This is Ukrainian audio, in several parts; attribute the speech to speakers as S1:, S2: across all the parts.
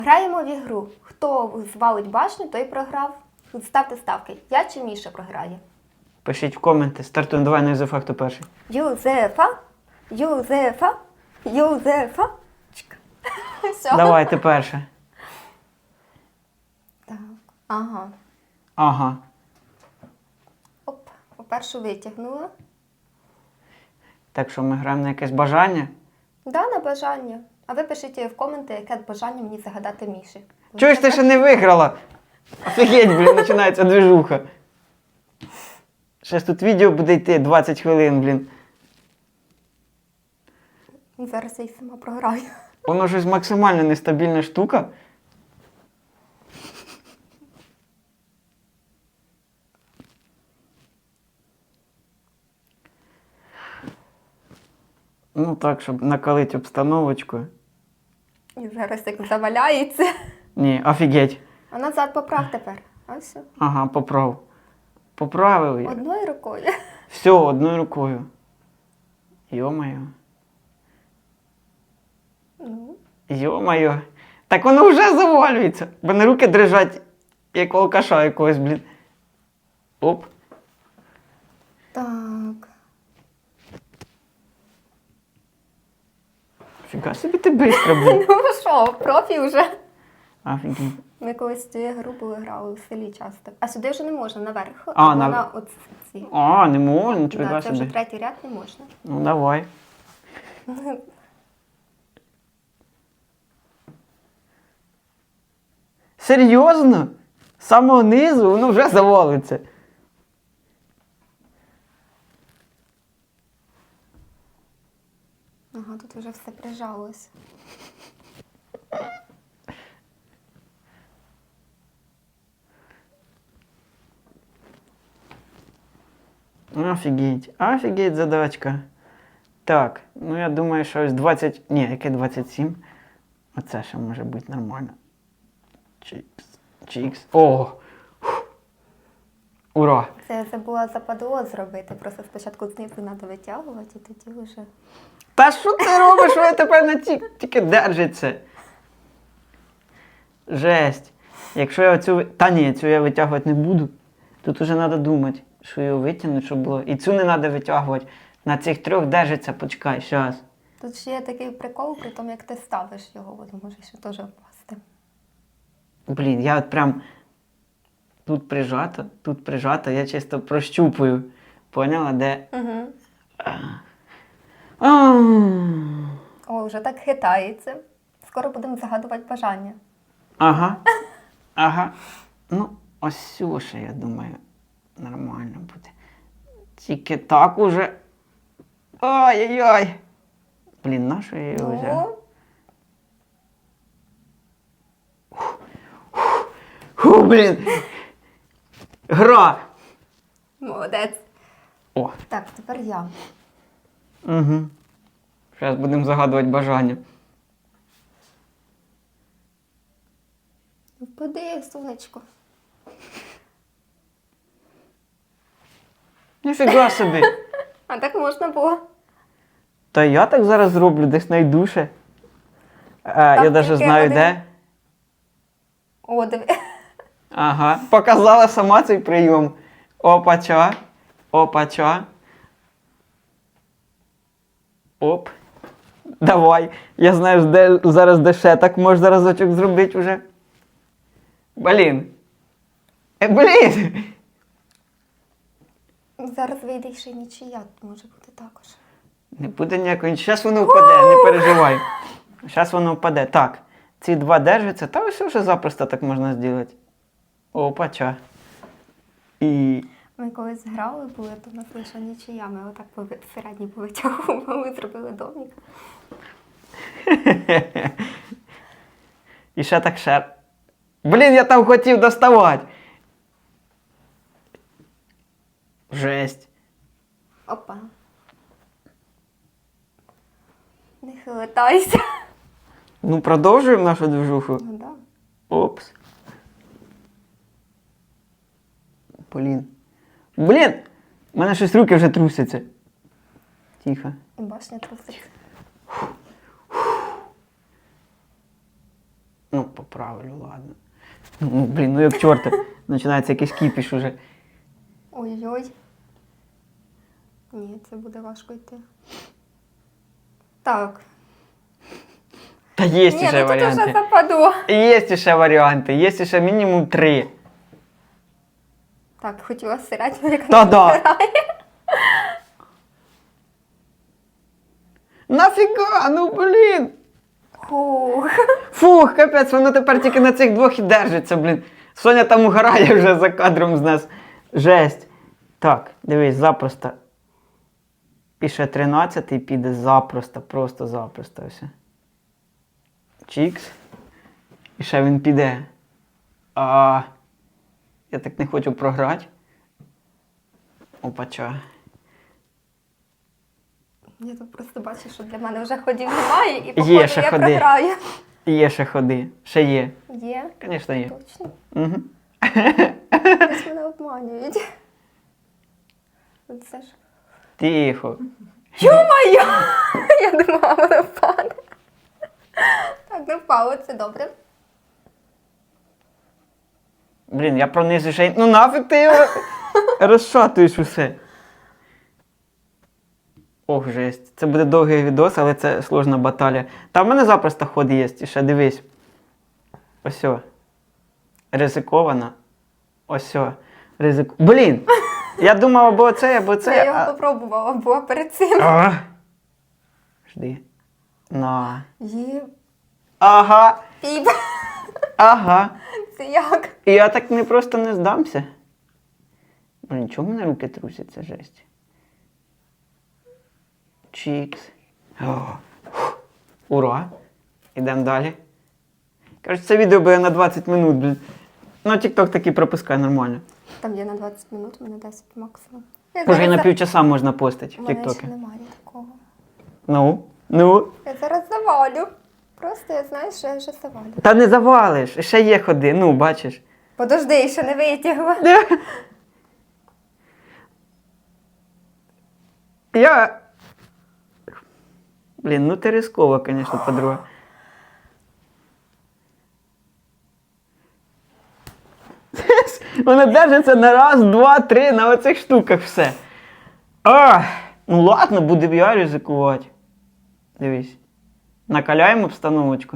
S1: Граємо в ігру. Хто звалить башню, той програв. Ставте ставки. Я чи Міша програє?
S2: Пишіть в коменти. Стартуємо. Давай на Юзефа, хто перший.
S1: Юзефа. Юзефа. Юзефа. Чик. Все.
S2: Давай, ти перша.
S1: Так. Ага.
S2: Ага.
S1: Оп. Першу витягнула.
S2: Так що ми граємо на якесь бажання?
S1: Да, на бажання. А ви пишіть в коменти, яке бажання мені загадати Міші.
S2: Чого ж ти ще не виграла? Офігеть, блін, починається движуха. Щас тут відео буде йти 20 хвилин, блін.
S1: Зараз я й сама програю.
S2: Воно щось максимально нестабільна штука. Ну так, щоб накалити обстановочку.
S1: І зараз як заваляється.
S2: Ні, офігеть.
S1: А назад поправ тепер. А все.
S2: Ага, поправ. Поправив я.
S1: Одною рукою.
S2: Все, одною рукою. Йо-моє.
S1: Ну.
S2: Йо-моє. Так воно вже завалюється. В мене руки дрижать, як у алкаша якогось, блін. Оп.
S1: Так.
S2: Фіга собі ти бистро, блін.
S1: Ну що, профі вже.
S2: Офігеть.
S1: Ми колись цю гру були грали в селі часто. А сюди вже не можна наверх.
S2: А,
S1: на оці.
S2: А, не можна, нічого
S1: Да, це вже
S2: собі.
S1: третій ряд не можна.
S2: Ну, давай. Серйозно? З самого низу воно вже завалиться.
S1: Ага, тут вже все прижалось.
S2: Офігеть, офігеть задачка. Так, ну я думаю, що ось 20... Ні, яке 27? Оце ще може бути нормально. Чікс, чікс. О! Фух. Ура!
S1: Це я забула западло зробити. Просто спочатку знизу треба витягувати, і тоді вже...
S2: Та що ти робиш? Ви тепер на тільки держиться. Жесть. Якщо я оцю... Та ні, цю я витягувати не буду. Тут уже треба думати, що його витягнути, щоб було. І цю не треба витягувати. На цих трьох держиться, почекай, щас.
S1: Тут ще є такий прикол, при тому, як ти ставиш його, воно може ще теж впасти.
S2: Блін, я от прям тут прижато, я чисто прощупую. Поняла, де?
S1: Угу.
S2: А.
S1: О, вже так хитається. Скоро будемо загадувати бажання.
S2: Ага. Ага. Ну, ось ще, я думаю, нормально буде. Тільки так уже. Ой-ой-ой. Блін, на що я його взяв? Фу, блін. Гра.
S1: Молодець.
S2: О.
S1: Так, тепер я.
S2: Угу. Зараз будемо загадувати бажання.
S1: Впади, сонечко.
S2: Ніфіга собі.
S1: А так можна було.
S2: Та я так зараз зроблю, десь найдуше. Я навіть
S1: тільки
S2: знаю
S1: один.
S2: де.
S1: О, диви.
S2: Ага. Показала сама цей прийом. Опача. Опача. Оп. Давай. Я знаю, зараз де ще так можна разочок зробити вже. Блін. Блін.
S1: Зараз вийде ще й нічия, може бути також.
S2: Не буде ніякої. Зараз воно впаде, не переживай. Зараз воно впаде. Так. Ці два держаться, та ось вже запросто так можна зробити. Опача. І...
S1: Ми колись грали, були, то в нас лише нічия. Ми отак середній повитягували, зробили домик.
S2: І ще так ще. Блін, я там хотів доставати. Жесть.
S1: Опа. Не хилитайся.
S2: Ну, продовжуємо нашу движуху.
S1: Ну да.
S2: Опс. Блін. Блін! У мене щось руки вже трусяться. Тихо.
S1: І башня труситься.
S2: Ну, поправлю, ладно. Ну, блін, ну як чорта. Починається якийсь кіпіш уже.
S1: Ой-ой. Ні, це буде важко йти. Так.
S2: Та є
S1: Ні,
S2: ще
S1: ну тут уже
S2: варіанти.
S1: западу.
S2: Є ще варіанти, є ще мінімум 3.
S1: Так, хотіла середню, як
S2: Та
S1: не
S2: да.
S1: вибирає.
S2: Нафіга, ну блін.
S1: Хух.
S2: Фух, капець, воно тепер тільки на цих двох і держиться, блін. Соня там угорає вже за кадром з нас. Жесть. Так, дивись, запросто. І ще 13-й піде запросто, просто запросто все. Чікс. І ще він піде. Я так не хочу програти. Опача.
S1: Я тут просто бачу, що для мене вже ходів немає, і
S2: Є
S1: походу
S2: ще
S1: я
S2: ходи.
S1: програю.
S2: Є ще ходи. Ще є.
S1: Є?
S2: Звісно, є.
S1: Точно.
S2: Угу.
S1: Ось мене обманюють. Це ж...
S2: Тихо.
S1: Ё-моё! Я думала, воно впаде. Так, не впало, це добре.
S2: Блін, я пронизую ще й... Ну нафіг ти його розшатуєш усе. Ох, жесть. Це буде довгий відос, але це сложна баталія. Та в мене запросто ход є. І ще дивись. Ось. Ризиковано. Ось. Блін! Я думав або це, або це.
S1: Я його попробувала, була перед цим.
S2: Жди. На.
S1: Є
S2: Ага.
S1: піп.
S2: Ага.
S1: Це як?
S2: І я так не просто не здамся. Блін, чому в мене руки трусяться, жесть? Чікс. Ура! Ідемо далі. Кажуть, це відео буде на 20 минут, блін. Ну, TikTok таки пропускає нормально.
S1: Там є на 20 минут, у мене 10 максимум.
S2: Може, і на півчаса можна постити
S1: У
S2: в
S1: мене ще
S2: TikTok.
S1: немає такого.
S2: Ну.
S1: Я зараз завалю. Просто я знаю, що я вже завалю.
S2: Та не завалиш, ще є ходи, ну, бачиш.
S1: Подожди, ще не витягла.
S2: Я... Блін, ну ти рискова, звісно, подруга. Вона держиться на раз, два, три, на оцих штуках все. Ну ладно, буду я ризикувати. Дивись. Накаляємо обстановочку.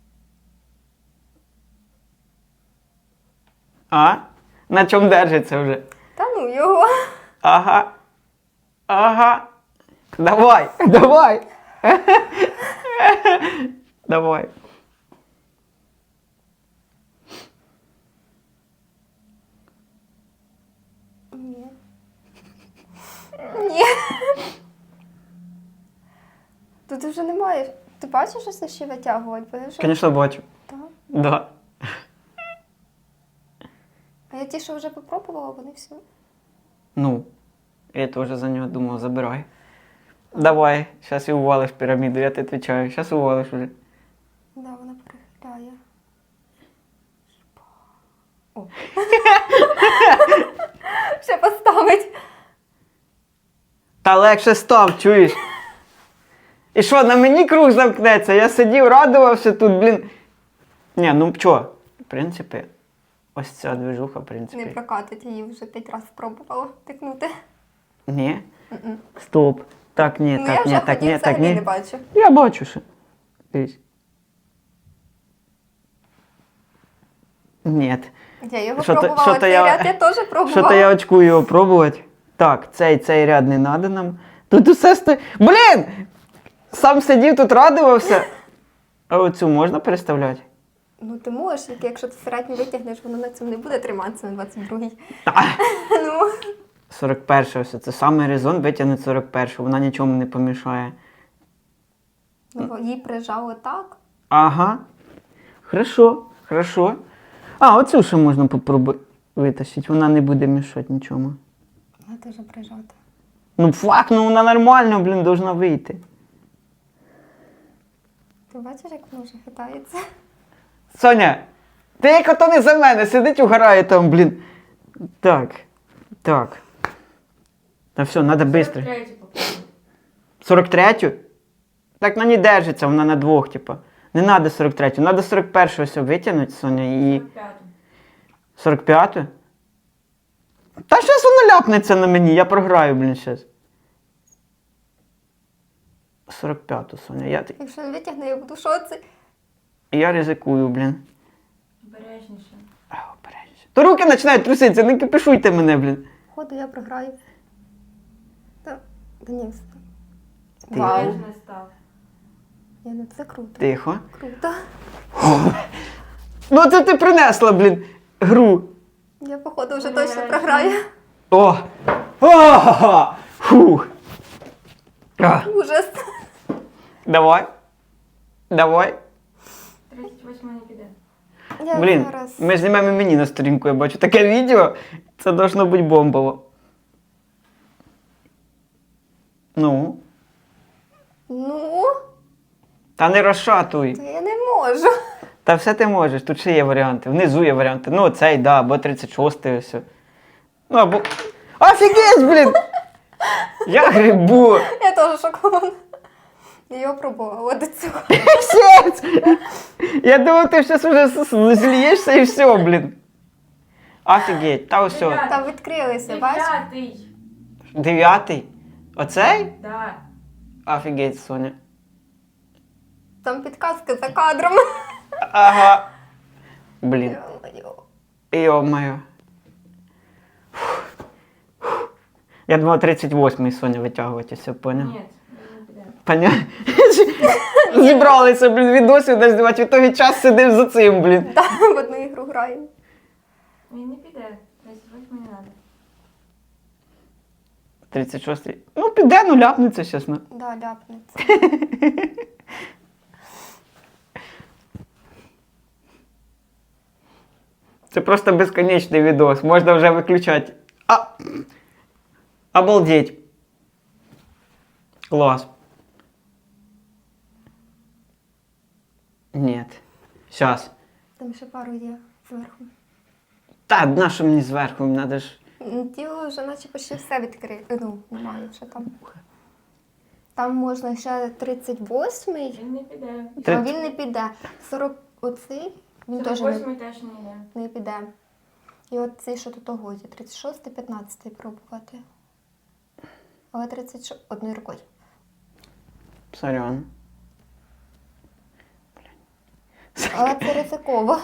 S2: На чому держиться вже?
S1: Та ну його.
S2: Ага. Давай. Давай.
S1: Ні. Ні. Тут вже немає. Ти бачиш, що це ще витягувати? Бо я вже...
S2: Звісно, бачу.
S1: Так.
S2: Да.
S1: А я ті, що вже попробувала, вони все.
S2: Ну, я теж за нього думав, забирай. Давай, зараз і увалиш піраміду, я тебе відповідаю. Зараз увалиш вже.
S1: Да, вона перехиляє. О. Ще поставить.
S2: Та легше став, чуєш? І що, на мені круг замкнеться? Я сидів, радувався тут, блін. Ні, ну чо? В принципі, ось ця движуха, в принципі.
S1: Не прокатить, її вже 5 разів спробувала тикнути.
S2: Ні?
S1: М-м.
S2: Стоп. Так, ні,
S1: Ну,
S2: так,
S1: я
S2: ні,
S1: вже
S2: так,
S1: ходів
S2: ні, так,
S1: взагалі
S2: ні.
S1: не бачу.
S2: Я бачу ще. Дивись. Ні.
S1: Я його
S2: Що-то-
S1: пробувала,
S2: що-то
S1: цей
S2: я-
S1: ряд я теж пробувала.
S2: Що-то я очкую його пробувати. Так, цей ряд не надо нам. Тут усе стоїть. Блін! Сам сидів тут, радувався. А оцю можна переставляти?
S1: Ну ти можеш, тільки якщо ти середньо витягнеш, воно на цьому не буде триматися на 22-й.
S2: Та.
S1: Ну.
S2: 41 ось це самий резон витягнути 41, вона нічому не помішає.
S1: Ну, бо її прижало так.
S2: Ага. Хорошо. Оцю ще можна попробувати витащити, вона не буде мішати нічому.
S1: Вона теж прижата.
S2: Ну фак, ну вона нормально, блін, должна вийти.
S1: Ти бачиш, як воно вже хитається?
S2: Соня, ти як ото не за мене, сидить угорає там, блін. Так. Та все, треба швидко. 43-ю? Так на ній держиться, вона на двох, типа. Не треба 43-ю, треба 41-ю ось витягнути, Соня, і
S3: 45.
S2: 45-ю. Та щас воно ляпнеться на мені, я програю, блін, щас. 45-ту, Соня,
S1: Якщо не витягне, я буду в шоці.
S2: я ризикую, блін.
S3: Обережніше.
S2: Обережніше. То руки починають труситися, не кипішуйте мене, блін.
S1: Походу, я програю. Та ні, все.
S2: Ти-
S1: Вау.
S3: Обережно став.
S1: Ну це круто.
S2: Тихо.
S1: Круто.
S2: Ну це ти принесла, блін, гру.
S1: Я, походу, вже точно програю.
S2: О! О! Фух. А,
S1: Ужас.
S2: давай. Давай.
S3: 38 не піде.
S1: Я
S2: Блін,
S1: зараз...
S2: ми знімемо і мені на сторінку, я бачу таке відео. Це должно бути бомбово. Ну.
S1: Ну,
S2: Та не розшатуй.
S1: то я не можу.
S2: Та все ти можеш, тут ще є варіанти. Внизу є варіанти. Ну, цей, да, або 36-й ось. Ну, або. Офігеть, блін! Я грибу!
S1: Я теж шокована. Я його пробувала до цього.
S2: Псець! Я думав, ти зараз уже злієшся і все, блін. Офігеть, та ось.
S1: Там відкрилися, бачиш?
S3: 9.
S2: 9-й? Оцей?
S3: Да.
S2: Офігеть, Соня.
S1: Там підказка за кадром.
S2: Ага. Блін.
S1: Йо-моє.
S2: Йо-моє. Я думав 38-й, Соня, витягувати, все, поняв?
S3: Ні, не піде.
S2: Поняв? Зібралися, блін, відосів не знімати, в ітогі час сидив за цим, блін.
S1: Так, в одну ігру граємо.
S3: Він не піде. 38 не треба.
S2: 36-й. Ну, піде, ну ляпнеться, чесно.
S1: Да, ляпнеться.
S2: Це просто безконечний відос, можна вже виключати. Обалдеть. Клас. Ні. Щас.
S1: Там ще пару є зверху.
S2: Та, на що мені зверху, треба ж.
S1: Тіло вже наче почти все відкрите. Ну, немає вже там. Там можна ще 38-й,
S3: Він не піде.
S1: а він не піде. 40 оцей, він теж
S3: 48 теж не йде.
S1: не піде. І от цей, що тут годі, 36-й, 15-й пробувати. Але 36 одною рукою.
S2: Сорян.
S1: Але це ризиково.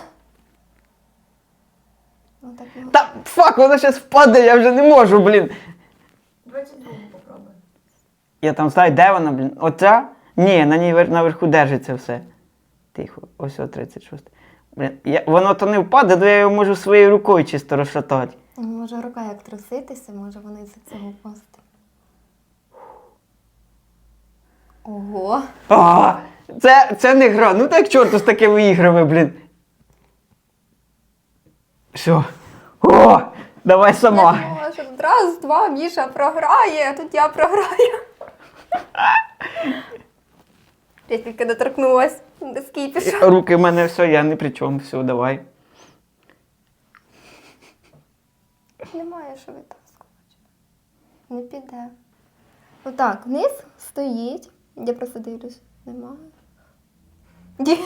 S1: Отак його.
S2: Та фак, воно зараз впаде, я вже не можу, блін.
S3: 22 попробуй.
S2: Я там знаю, де вона, блін. Оця? Ні, на ній наверху держиться все. Тихо, ось о 36. Блін, воно то не впаде, то я його можу своєю рукою чисто розшатати.
S1: Може рука як труситися, може вона із-за цього впасти. Ого.
S2: Це не гра. Ну так чорту з такими іграми, блін. Все. О, давай сама.
S1: Я думала, що раз, два, Міша програє, а тут я програю. Я тільки доторкнулась до скіпіша.
S2: Руки в мене все, я ні при чому. Все, давай.
S1: Немає що витаскувати. Не піде. Отак, вниз стоїть. Я просто дивлюсь. Немає. Ді.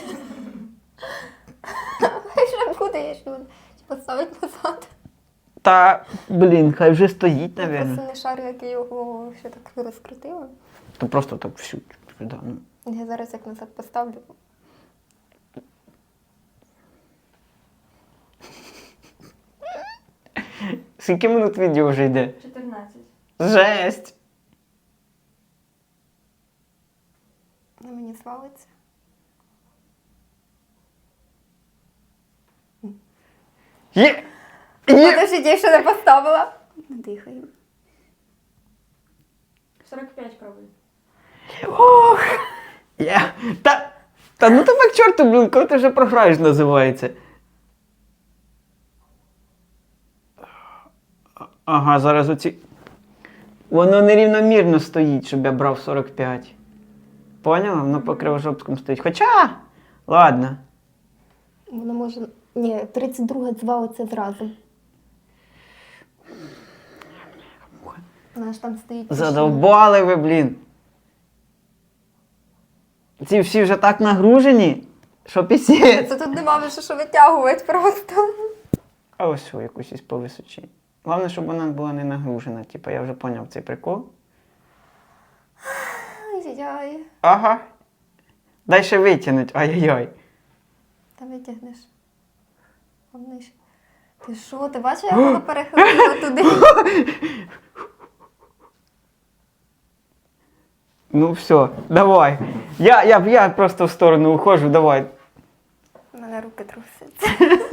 S1: Ще куди я ще буду? Чи поставить назад?
S2: Та, блін, хай вже стоїть,
S1: Я
S2: напевно.
S1: просто не шарю, як я його ще так розкрутила.
S2: То просто так всю. Да, ну.
S1: Я зараз як назад поставлю.
S2: Скільки минут відео вже йде?
S3: 14.
S2: Жесть!
S1: На мені свалиться.
S2: Є!
S1: Подождіть, я ще не поставила. Дихаємо.
S3: 45 пробуй.
S2: Ох! Є! Та ну тебе к чорту, блін, коли ти вже програєш, називається. Ага, зараз оці. Воно нерівномірно стоїть, щоб я брав 45. Поняла? Воно по кривожопському стоїть. Хоча, ладно.
S1: Воно може... Ні, 32 звалиться зразу. Вона ж там стоїть.
S2: Задовбали ви, блін. Ці всі вже так нагружені. Що пісець?
S1: Це тут нема вже що витягувати просто.
S2: А ось що, якусь із по височі. Головне, щоб вона була не нагружена. Типа, я вже поняв цей прикол.
S1: Ай-яй-яй.
S2: Ага. Дай ще витягнуть. Ай-яй-яй.
S1: Та витягнеш. Вони ж- Ти що, ти бачиш, як воно перехилило туди?
S2: Ну все, давай. Я просто в сторону ухожу, давай.
S1: У мене руки трусяться.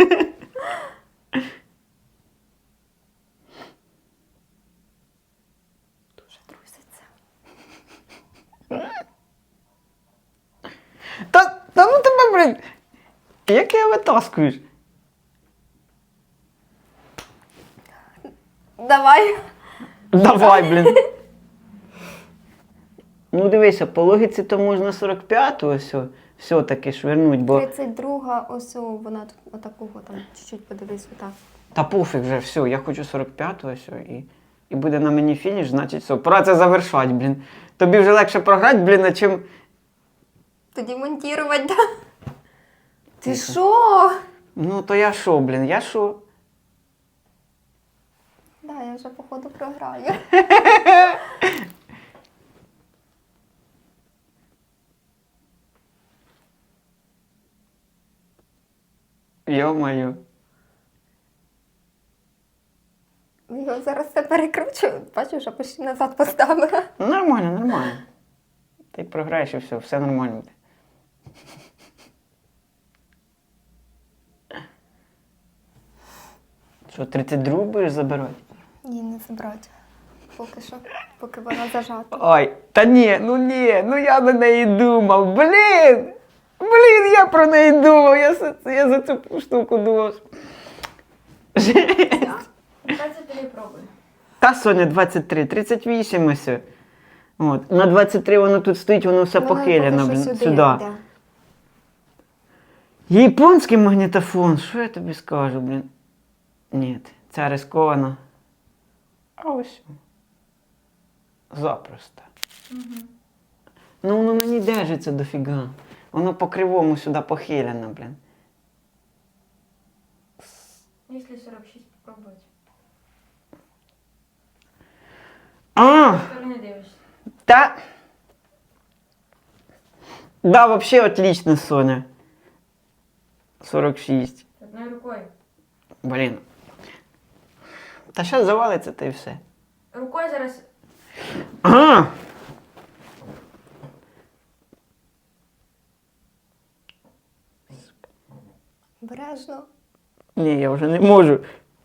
S1: Дуже трусяться.
S2: Та ну тебе, блін. Як я витаскуєш?
S1: Давай.
S2: Давай, блін. Ну дивися, по логіці то можна 45-ту ось все-таки швирнуть, бо...
S1: 32-га, ось вона тут отакого там, чуть-чуть подивись, отак.
S2: Та пофіг вже, все, я хочу 45-ту ось і буде на мені фініш, значить все, пора це завершати, блін. Тобі вже легше програти, блін, а чим...
S1: Тоді монтувати, да? Ти що?
S2: Ну то я що, блін, я що?
S1: Да, я вже походу програю.
S2: Йо-моє.
S1: Його зараз все перекручу. Бачу, вже почти назад поставила.
S2: Ну, нормально, нормально. Ти програєш і все нормально буде. Що, 32 будеш забирати?
S1: Ні, не забрати. Поки що, поки вона зажата.
S2: Ой, та ні, ну я на неї думав, блін! Блін, я про неї думав, я за цю штуку думав.
S3: 23 пробуй.
S2: Та, Соня, 23, 38 ось. От. На 23 воно тут стоїть, воно все
S1: Вона
S2: похилено,
S1: поки що
S2: блін,
S1: сюди
S2: сюди.
S1: йде.
S2: Японський магнітофон, що я тобі скажу, блін? Ні, ця рискована. А ось. Запросто. Ну воно мені держиться дофіга. Воно по кривому сюди похилено, блін.
S3: Якщо 46 попробувати.
S2: А!
S3: З сторони дивишся.
S2: Та. Да, вообще отлично, Соня. 46.
S3: Одною рукою.
S2: Блін. Та зараз завалиться, та й все.
S3: Рукою зараз.
S2: А!
S1: Обережно.
S2: Ні, я вже не можу.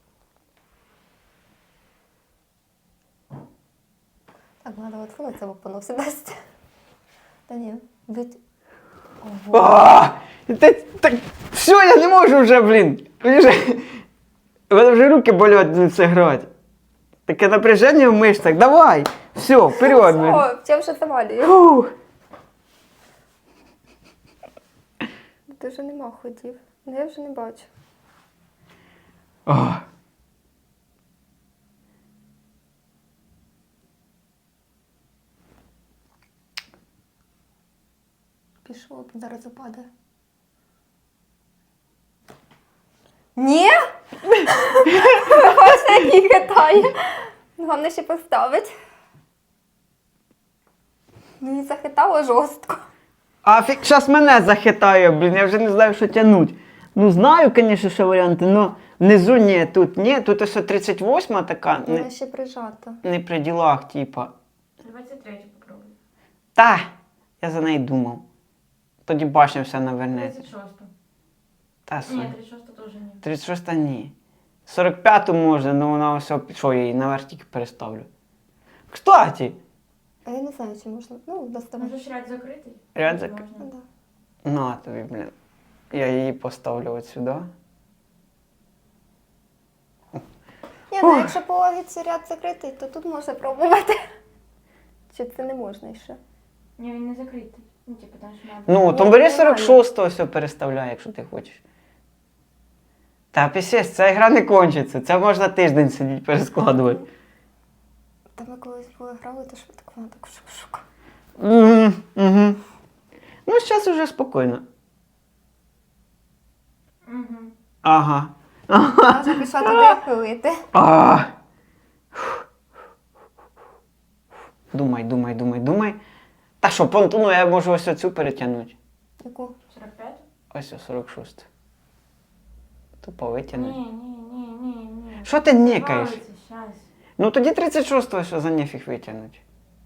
S1: Так, треба відхилитися, бо воно все дасть. Та ні, від... Ого.
S2: А! Так, все, я не можу вже, блін. У мене вже руки болять це грати. Таке напряження в мишцях. Давай! Все, вперед, блін.
S1: О, я вже завалюю.
S2: Фух.
S1: Ти вже нема ходів. Ну, я вже не бачу.
S2: О.
S1: Пішов, зараз упаде. Ні? Бачите, як її хитає. Головне ще поставить. Ну, її захитало жорстко.
S2: А зараз мене захитає, блін, я вже не знаю, що тягнуть. Ну, знаю, звісно, що варіанти, але внизу ні, тут ось 38 така,
S1: Вона ще прижата.
S2: не при ділах, типа.
S3: 23 попробуй.
S2: Та, я за неї думав. Тоді башня вся навернеться.
S3: 36.
S2: Та,
S3: Ні,
S2: Соня.
S3: 36 теж ні.
S2: 36 ні. 45-ту можна, але вона ось, що я її наверх тільки переставлю. Кстати,
S1: А я не знаю, чи можна. Ну, доставай.
S3: Можеш ряд закритий?
S2: Ряд
S3: Можна.
S2: закритий?
S1: Ну, да.
S2: на тобі, блін. Я її поставлю от сюди.
S1: Ні, ну якщо по логіці ряд закритий, то тут можна пробувати. Чи це не можна ще?
S3: Ні, він не закритий. Ну, типу, там ж надо.
S2: Ну, то
S1: Ні,
S2: бери
S1: нормально.
S2: 46-го, все переставляй, якщо ти хочеш. Та пісець, ця гра не кончиться. Це можна тиждень сидіти перескладувати.
S1: Та ми колись були грали, то швидко вона так шук-шук.
S2: Угу. Ну, зараз уже спокійно.
S3: Угу.
S2: Ага.
S1: Вона вже пішла туди пилити.
S2: А. Думай. Та що, понтону я можу ось оцю перетягнути.
S1: Яку?
S3: 45?
S2: Ось о 46. Тупо витягнути.
S3: Ні.
S2: Що ти нікаєш?
S3: Щас.
S2: Ну тоді 36-го що за нефіг витягнути.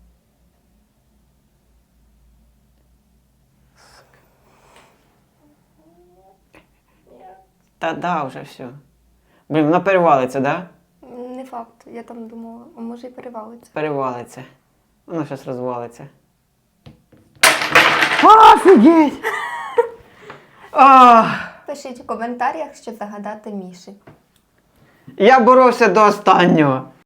S2: Та да, вже все. Блін, вона перевалиться, да?
S1: Не факт. Я там думала, а може і перевалиться.
S2: Перевалиться. Воно щось розвалиться. Офігеть!
S1: Пишіть у коментарях, що загадати Міші.
S2: Я боровся до останнього.